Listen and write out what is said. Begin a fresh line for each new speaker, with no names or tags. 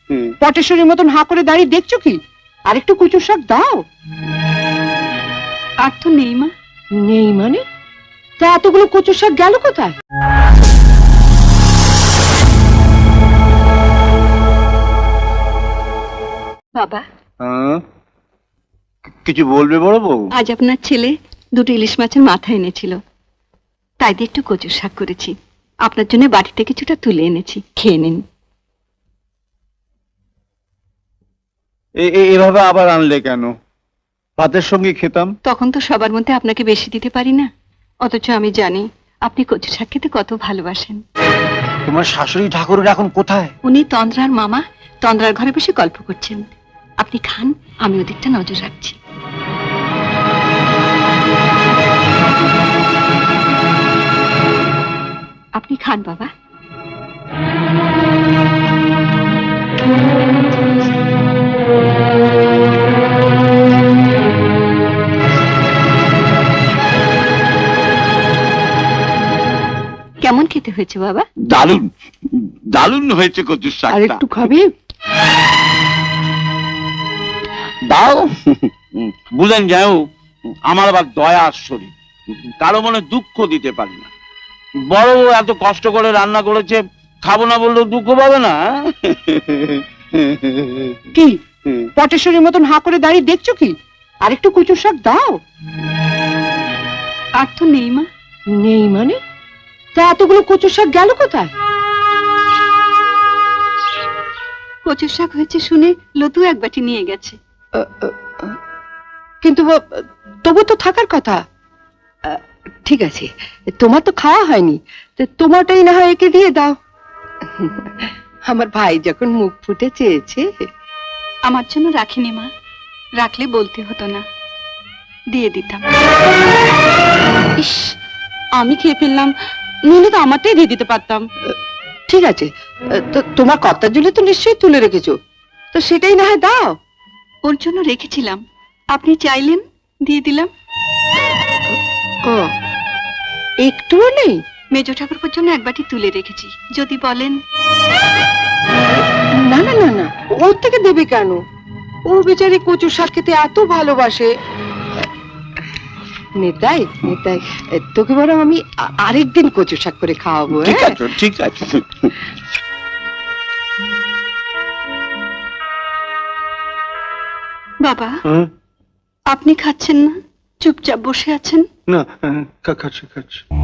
পটেশ্বরীর মতন হাঁ করে দাঁড়িয়ে দেখছো কি? আর একটু কচুর শাক দাও।
আর তো নেই মা।
নেই মানে? তা এতগুলো কচুর শাক গেল কোথায়?
বাবা,
কিছু বলবে বড় বউ?
আজ আপনার ছেলে দুটো ইলিশ মাছের মাথা এনেছিল, তাই দিয়ে একটু কচুর শাক করেছি। আপনার জন্য বাড়িতে কিছুটা তুলে এনেছি, খেয়ে নিন।
এভাবে আবার আনলে কেন? ভাতের সঙ্গে খেতাম।
তখন তো সবার মধ্যে আপনাকে বেশি দিতে পারি না, অথচ আমি জানি আপনি কচু শাক খেতে কত ভালোবাসেন।
তোমার শাশুড়ি ঠাকুরের এখন কোথায়?
উনি তন্দ্রার মামা তন্দ্রার ঘরে বসে গল্প করছেন। আপনি খান, আমি ওদিকটা নজর রাখছি। আপনি খান বাবা। কেমন খেতে হয়েছে বাবা?
দারুণ দারুণ হয়েছে কচুর শাক।
আর একটু খাবি?
দাও। বুঝলেন যাও, আমার আবার দয়া শরীর, কারো মনে দুঃখ দিতে পারি না। বড় বউ এত কষ্ট করে রান্না করেছে, খাবো না বললেও দুঃখ পাবে না।
কি পটেশ্বরীর মতন হাঁ করে দাঁড়িয়ে দেখছো কি? আর একটু কচুর শাক দাও।
আর তো নেই মা।
নেই মানে? তা এতগুলো কচুর শাক গেল কোথায়?
কচুর শাক হয়েছে শুনে লতু এক বাটি নিয়ে গেছে।
কিন্তু তবু তো থাকার কথা। ঠিক আছে, তোমার তো খাওয়া হয়নি, তোমারটাই না হয় একে দিয়ে দাও। আমার ভাই যখন মুখ ফুটে চেয়েছে।
আমার জন্য রাখিনি মা, রাখলে বলতে হতো না, দিয়ে দিতাম। ইস, আমি খেয়ে ফেললাম, নইলে তো আমারটাই দিয়ে দিতে পারতাম।
ঠিক আছে, তো তোমার কর্তার জন্য তো নিশ্চয়ই তুলে রেখেছো, তো সেটাই না হয় দাও।
ওর জন্য রেখেছিলাম, আপনি চাইলেন দিয়ে দিলাম।
ও, একটুও নেই?
মেজ ঠাকুরপুর জন্য এক বাটি তুলে রেখেছি, যদি বলেন।
না না না না, ওর থেকে দেবে কেন? ও বেচারি কচুর শাক খেতে এত ভালোবাসে। নেতাই নেতাই, তোকে বরং আমি আরেকদিন কচুর শাক করে খাওয়াবো।
ঠিক আছে ঠিক আছে।
বাবা, আপনি খাচ্ছেন না, চুপচাপ বসে আছেন।
না, খাচ্ছি খাচ্ছি।